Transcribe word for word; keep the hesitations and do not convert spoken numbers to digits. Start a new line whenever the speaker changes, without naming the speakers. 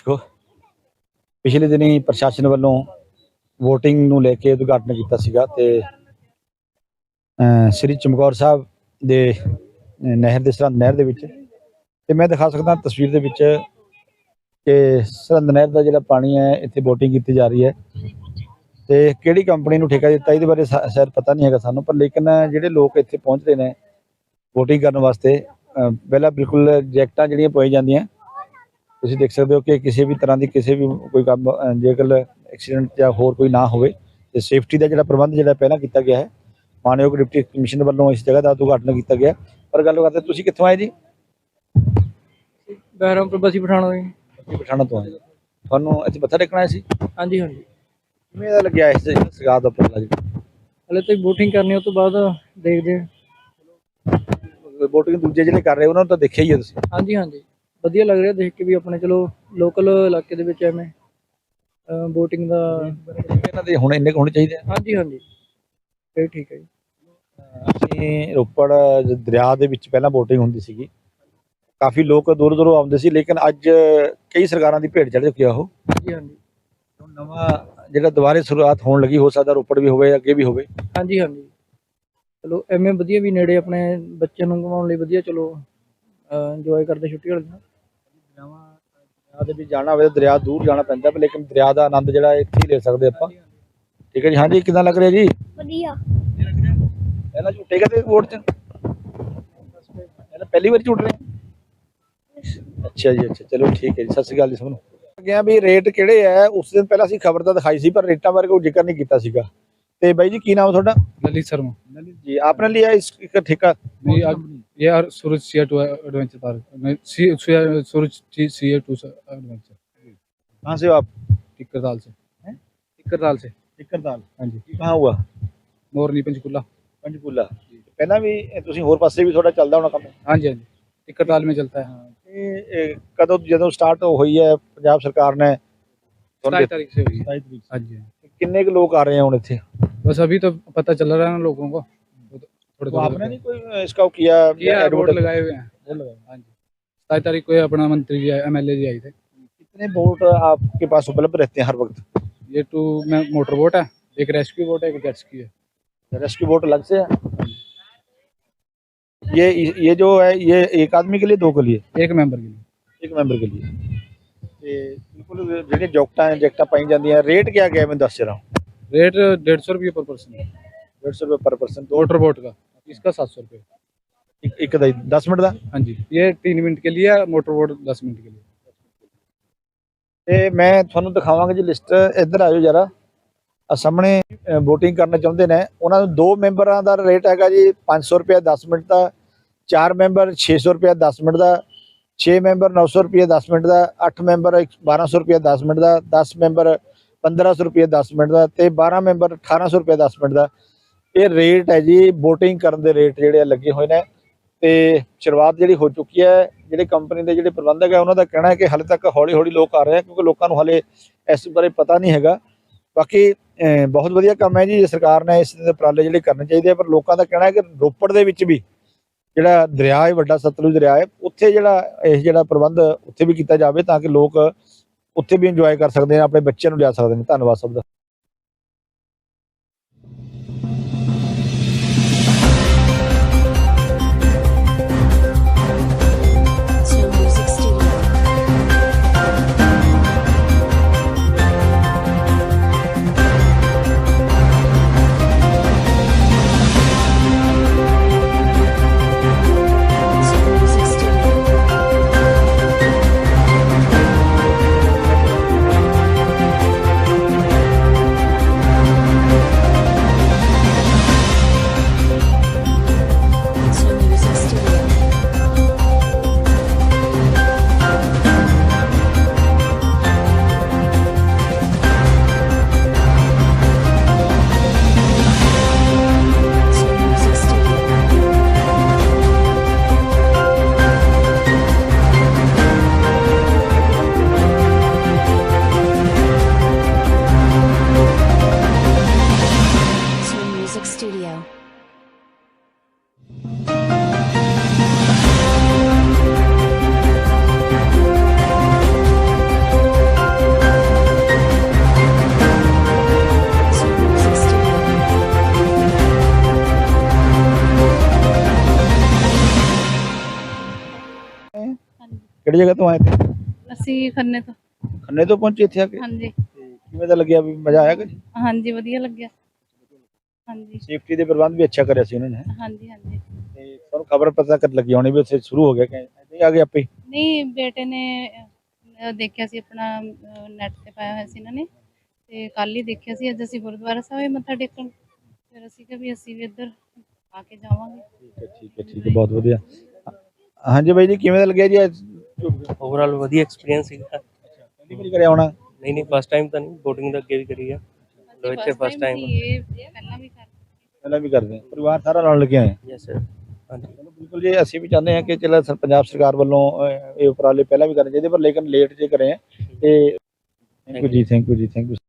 ਦੇਖੋ ਪਿਛਲੇ ਦਿਨੀ ਪ੍ਰਸ਼ਾਸਨ ਵੱਲੋਂ ਵੋਟਿੰਗ ਨੂੰ ਲੈ ਕੇ ਉਦਘਾਟਨ ਕੀਤਾ ਸੀਗਾ ਤੇ ਸ੍ਰੀ ਚਮਕੌਰ ਸਾਹਿਬ ਦੇ ਨਹਿਰ ਦੇ ਸਰਹੰਦ ਨਹਿਰ ਦੇ ਵਿੱਚ ਤੇ ਮੈਂ ਦਿਖਾ ਸਕਦਾ ਤਸਵੀਰ ਦੇ ਵਿੱਚ ਕਿ ਸਰਹੰਦ ਨਹਿਰ ਦਾ ਜਿਹੜਾ ਪਾਣੀ ਹੈ ਇੱਥੇ ਵੋਟਿੰਗ ਕੀਤੀ ਜਾ ਰਹੀ ਹੈ ਤੇ ਕਿਹੜੀ ਕੰਪਨੀ ਨੂੰ ਠੇਕਾ ਦਿੱਤਾ ਇਹਦੇ ਬਾਰੇ ਸ਼ਾਇਦ ਪਤਾ ਨਹੀਂ ਹੈਗਾ ਸਾਨੂੰ, ਪਰ ਲੇਕਿਨ ਜਿਹੜੇ ਲੋਕ ਇੱਥੇ ਪਹੁੰਚ ਰਹੇ ਨੇ ਵੋਟਿੰਗ ਕਰਨ ਵਾਸਤੇ ਪਹਿਲਾਂ ਬਿਲਕੁਲ ਜੈਕਟਾਂ ਜਿਹੜੀਆਂ ਪਾਈ ਜਾਂਦੀਆਂ ਤੁਸੀਂ ਦੇਖ ਸਕਦੇ ਹੋ ਕਿ ਕਿਸੇ ਵੀ ਤਰ੍ਹਾਂ ਦੀ ਕਿਸੇ ਵੀ ਕੋਈ ਕੰਮ ਜੇਕਰ ਐਕਸੀਡੈਂਟ ਜਾਂ ਹੋਰ ਕੋਈ ਨਾ ਹੋਵੇ ਤੇ ਸੇਫਟੀ ਦਾ ਜਿਹੜਾ ਪ੍ਰਬੰਧ ਜਿਹੜਾ ਪਹਿਲਾਂ ਕੀਤਾ ਗਿਆ ਹੈ ਮਾਨਯੋਗ ਡਿਪਟੀ ਕਮਿਸ਼ਨਰ ਵੱਲੋਂ ਇਸ ਜਗ੍ਹਾ ਦਾ ਉਦਘਾਟਨ ਕੀਤਾ ਗਿਆ। ਪਰ ਗੱਲ ਕਰਦੇ ਤੁਸੀਂ ਕਿੱਥੋਂ ਆਏ ਜੀ?
ਬਹਿਰਾਮਪੁਰ ਬਸੀ ਪਠਾਣਾ ਜੀ।
ਬਸੀ ਪਠਾਣਾ ਤੋਂ ਆਏ, ਤੁਹਾਨੂੰ ਇੱਥੇ ਮੱਥਾ ਟੇਕਣਾ ਸੀ?
ਹਾਂਜੀ ਹਾਂਜੀ।
ਕਿਵੇਂ ਦਾ ਲੱਗਿਆ ਇਸ ਸਰਕਾਰ ਦਾ ਉਪਰਾਲਾ ਜੀ?
ਹਲੇ ਤਾਂ ਵੋਟਿੰਗ ਕਰਨੀ ਉਸ ਤੋਂ ਬਾਅਦ ਦੇਖਦੇ ਹਾਂ।
ਵੋਟਿੰਗ ਦੂਜੇ ਜਿਹੜੇ ਕਰ ਰਹੇ ਉਹਨਾਂ ਨੂੰ ਤਾਂ ਦੇਖਿਆ ਹੀ ਹੈ ਤੁਸੀਂ?
ਹਾਂਜੀ ਹਾਂਜੀ, ਵਧੀਆ ਲੱਗ ਰਿਹਾ ਦੇਖ ਕੇ ਵੀ ਆਪਣੇ ਚਲੋ ਲੋਕਲ ਇਲਾਕੇ ਦੇ ਵਿੱਚ ਐਵੇਂ ਵੋਟਿੰਗ ਦਾ
ਇਹਨਾਂ ਦੇ ਹੁਣ ਇੰਨੇ ਹੋਣੇ ਚਾਹੀਦੇ ਆ।
ਹਾਂਜੀ ਹਾਂਜੀ ਇਹ ਠੀਕ ਹੈ ਜੀ।
ਅਸੀਂ ਰੋਪੜ ਦਰਿਆ ਦੇ ਵਿੱਚ ਪਹਿਲਾਂ ਵੋਟਿੰਗ ਹੁੰਦੀ ਸੀਗੀ, ਕਾਫੀ ਲੋਕ ਦੂਰ ਦੂਰੋਂ ਆਉਂਦੇ ਸੀ, ਲੇਕਿਨ ਅੱਜ ਕਈ ਸਰਕਾਰਾਂ ਦੀ ਭੇਟ ਚੜ੍ਹ ਚੁੱਕੀ ਆ ਉਹ।
ਹਾਂਜੀ ਹਾਂਜੀ
ਨਵਾਂ ਜਿਹੜਾ ਦੁਬਾਰੇ ਸ਼ੁਰੂਆਤ ਹੋਣ ਲੱਗੀ, ਹੋ ਸਕਦਾ ਰੋਪੜ ਵੀ ਹੋਵੇ ਅੱਗੇ ਵੀ ਹੋਵੇ।
ਹਾਂਜੀ ਹਾਂਜੀ ਚਲੋ ਐਵੇਂ ਵਧੀਆ ਵੀ ਨੇੜੇ ਆਪਣੇ ਬੱਚਿਆਂ ਨੂੰ ਘੁਮਾਉਣ ਲਈ ਵਧੀਆ, ਚਲੋ ਇੰਜੋਏ ਕਰਦੇ ਛੁੱਟੀ ਵਾਲੇ ਦਿਨ।
ਦਰਿਆ ਦੇ ਵਿੱਚ ਜਾਣਾ ਹੋਵੇ ਤਾਂ ਦਰਿਆ ਦੂਰ ਜਾਣਾ ਪੈਂਦਾ, ਪਰ ਲੇਕਿਨ ਦਰਿਆ ਦਾ ਆਨੰਦ ਜਿਹੜਾ ਇੱਥੇ ਹੀ ਲੈ ਸਕਦੇ ਆਪਾਂ। ਠੀਕ ਹੈ ਜੀ। ਹਾਂਜੀ ਕਿੱਦਾਂ ਲੱਗ ਰਿਹਾ ਜੀ?
ਵਧੀਆ।
ਪਹਿਲਾਂ ਝੂਟੇ ਕਦੇ ਵੋਟ ਚ? ਪਹਿਲੀ ਵਾਰ ਝੂਟ ਰਹੇ? ਅੱਛਾ ਜੀ ਅੱਛਾ, ਚਲੋ ਠੀਕ ਹੈ ਜੀ। ਸਤਿ ਸ਼੍ਰੀ ਅਕਾਲ ਜੀ ਸਭ ਨੂੰ। ਗਿਆ ਵੀ ਰੇਟ ਕਿਹੜੇ ਹੈ ਉਸ ਦਿਨ ਪਹਿਲਾਂ ਅਸੀਂ ਖਬਰ ਤਾਂ ਦਿਖਾਈ ਸੀ ਪਰ ਰੇਟਾਂ ਬਾਰੇ ਕੋਈ ਜ਼ਿਕਰ ਨਹੀਂ ਕੀਤਾ ਸੀਗਾ। ਤੇ ਬਾਈ ਜੀ ਕੀ ਨਾਮ ਤੁਹਾਡਾ?
ललित शर्मा।
ललित जी, आपने लिया इसका ठेका?
नहीं अब ये यार सूरज सी टू एडवेंचर पार्क नहीं सी सूरज सी टू एडवेंचर।
कहाँ से हो आप?
टिक्करताल से। टिक्करताल से।
टिक्करताल।
हाँ जी।
कहाँ हुआ?
मोरनी पंचकूला।
पंचकूला। ਪਹਿਲਾਂ ਵੀ ਤੁਸੀਂ ਹੋਰ ਪਾਸੇ ਵੀ ਤੁਹਾਡਾ ਚੱਲਦਾ ਹੋਣਾ ਕੰਮ?
हाँ जी हाँ जी टिक्करताल में चलता है। हाँ
ਇਹ ਕਦੋਂ ਜਦੋਂ ਸਟਾਰਟ ਹੋਈ ਹੈ ਪੰਜਾਬ ਸਰਕਾਰ ਨੇ?
सताईस तारीख से हुई है।
सताईस तरीक।
हाँ जी।
किन्ने के लोग आ रहे हैं ਹੁਣ ਇੱਥੇ?
बस अभी तो पता चल रहा है ना लोगों को, थोड़े
तो आपने नहीं कोई इसका किया?
वोट लगाए हुए हैं।
वोट लगाए।
हाँ जी सताईस तारीख को अपना मंत्री जी एम एल ए जी आए थे।
कितने वोट आपके पास उपलब्ध रहते हैं हर वक्त?
ये टू में मोटर बोट है, एक रेस्क्यू बोट है, एक जेट्स की है।
रेस्क्यू बोट अलग से है? ये ये जो है ये एक आदमी के लिए दो के लिए?
एक मेंबर के लिए।
एक मेंबर के लिए। ਤੇ ਬਿਲਕੁਲ ਜਿਹੜੇ ਜੌਕਟਾਂ ਜੈਕਟਾਂ ਪਾਈ ਜਾਂਦੀਆਂ, ਰੇਟ क्या क्या है मैं दस रहा हूँ?
रेट डेढ़ सौ रुपये पर पर्सन है।
डेढ़ सौ रुपये पर पर्सन।
मोटर बोट का इसका सात सौ रुपये।
एक एक ਦਾ दस मिनट ਦਾ?
हाँ जी ये तीन मिनट के लिए, मोटर बोट दस मिनट के लिए।
ਤੇ ਮੈਂ ਤੁਹਾਨੂੰ ਦਿਖਾਵਾਂਗਾ ਜੀ ਲਿਸਟ। ਇੱਧਰ ਆਜੋ ਜਰਾ। ਆ ਸਾਹਮਣੇ VOTING ਕਰਨਾ ਚਾਹੁੰਦੇ ਨੇ ਉਹਨਾਂ ਨੂੰ ਦੋ ਮੈਂਬਰਾਂ ਦਾ ਰੇਟ ਹੈਗਾ ਜੀ ਪੰਜ ਸੌ ਰੁਪਏ ਦਸ ਮਿੰਟ ਦਾ, ਚਾਰ ਮੈਂਬਰ ਛੇ ਸੌ ਰੁਪਏ ਦਸ ਮਿੰਟ ਦਾ, छे मैंबर नौ सौ रुपये दस मिनट का, अठ मैंबर बारह सौ रुपये दस मिनट का, दस मैंबर पंद्रह सौ रुपये दस मिनट का, तो बारह मैंबर अठारह सौ रुपये दस मिनट का ये रेट है जी। वोटिंग करने के रेट जोड़े लगे हुए हैं तो शुरुआत जी हो चुकी है। जोड़े कंपनी के जोड़े प्रबंधक है उन्होंने कहना है कि हाले तक हौली हौली लोग आ रहे हैं क्योंकि लोगों को हाले इस बारे पता नहीं है। बाकी बहुत वधिया काम है जी, सरकार ने इस उपराले जोड़े करने चाहिए, पर लोगों का कहना है कि रोपड़ के भी ਜਿਹੜਾ ਦਰਿਆ ਹੈ ਵੱਡਾ ਸਤਲੁਜ ਦਰਿਆ ਹੈ ਉੱਥੇ ਜਿਹੜਾ ਇਹ ਜਿਹੜਾ ਪ੍ਰਬੰਧ ਉੱਥੇ ਵੀ ਕੀਤਾ ਜਾਵੇ ਤਾਂ ਕਿ ਲੋਕ ਉੱਥੇ ਵੀ ਇੰਜੋਏ ਕਰ ਸਕਦੇ ਨੇ, ਆਪਣੇ ਬੱਚਿਆਂ ਨੂੰ ਲਿਆ ਸਕਦੇ ਨੇ। ਧੰਨਵਾਦ ਸਭ ਦਾ। ਕਿਹੜੀ ਜਗ੍ਹਾ ਤੋਂ ਆਏ ਤੇ?
ਅਸੀਂ ਖੰਨੇ ਤੋਂ।
ਖੰਨੇ ਤੋਂ ਪਹੁੰਚੇ ਇੱਥੇ ਆ ਕੇ?
ਹਾਂਜੀ
ਤੇ ਕਿਵੇਂ ਦਾ ਲੱਗਿਆ, ਵੀ ਮਜ਼ਾ ਆਇਆ ਕੁਝ?
ਹਾਂਜੀ ਵਧੀਆ ਲੱਗਿਆ। ਹਾਂਜੀ
ਸੇਫਟੀ ਦੇ ਪ੍ਰਬੰਧ ਵੀ ਅੱਛਾ ਕਰਿਆ ਸੀ ਉਹਨਾਂ ਨੇ।
ਹਾਂਜੀ ਹਾਂਜੀ
ਤੇ ਤੁਹਾਨੂੰ ਖਬਰ ਪਤਾ ਕਰ ਲੱਗੀ ਹੋਣੀ ਵੀ ਉੱਥੇ ਸ਼ੁਰੂ ਹੋ ਗਿਆ ਕਿ ਨਹੀਂ ਆ ਗਏ ਆਪੇ ਹੀ?
ਨਹੀਂ ਬੇਟੇ ਨੇ ਅਹ, ਦੇਖਿਆ ਸੀ ਆਪਣਾ ਨੈਟ ਤੇ ਪਾਇਆ ਹੋਇਆ ਸੀ ਇਹਨਾਂ ਨੇ, ਤੇ ਕੱਲ ਹੀ ਦੇਖਿਆ ਸੀ। ਅੱਜ ਅਸੀਂ ਗੁਰਦੁਆਰਾ ਸਾਹਿਬ ਮੱਥਾ ਟੇਕਣ, ਫਿਰ ਅਸੀਂ ਕਿਹਾ ਵੀ ਅਸੀਂ ਵੀ ਇੱਧਰ ਆ ਕੇ ਜਾਵਾਂਗੇ।
ਠੀਕ ਹੈ ਠੀਕ ਹੈ ਠੀਕ ਹੈ, ਬਹੁਤ ਵਧੀਆ। ਹਾਂਜੀ ਬਾਈ ਜੀ, ਕਿਵੇਂ ਦਾ ਲੱਗਿਆ ਜੀ ਅੱਜ?
ਓਵਰਆਲ ਵਧੀਆ ਐਕਸਪੀਰੀਅੰਸ ਸੀਗਾ।
ਪਹਿਲੀ ਵਾਰੀ ਕਰਿਆ ਹੋਣਾ?
ਨਹੀਂ ਨਹੀਂ ਫਸਟ ਟਾਈਮ ਤਾਂ ਨਹੀਂ, ਬੋਟਿੰਗ ਤਾਂ ਅੱਗੇ ਵੀ ਕਰੀ ਆ। ਲੋ ਇੱਥੇ ਫਸਟ ਟਾਈਮ।
ਇਹ ਪਹਿਲਾਂ ਵੀ ਕਰ
ਪਹਿਲਾਂ ਵੀ ਕਰਦੇ ਹਾਂ, ਪਰਿਵਾਰ ਸਾਰਾ ਨਾਲ ਲੱਗੇ ਆਏ?
Yes sir. ਹਾਂਜੀ
ਚਲੋ ਬਿਲਕੁਲ ਜੀ, ਅਸੀਂ ਵੀ ਚਾਹੁੰਦੇ ਹਾਂ ਕਿ ਚਲੋ ਸਰ ਪੰਜਾਬ ਸਰਕਾਰ ਵੱਲੋਂ ਅਹ, ਇਹ ਉਪਰਾਲੇ ਪਹਿਲਾਂ ਵੀ ਕਰਨੇ ਚਾਹੀਦੇ, ਪਰ ਲੇਕਿਨ ਲੇਟ ਜੇ ਕਰੇ ਹੈ। ਤੇ ਥੈਂਕ ਯੂ ਜੀ, ਥੈਂਕ ਯੂ ਜੀ, ਥੈਂਕ ਯੂ।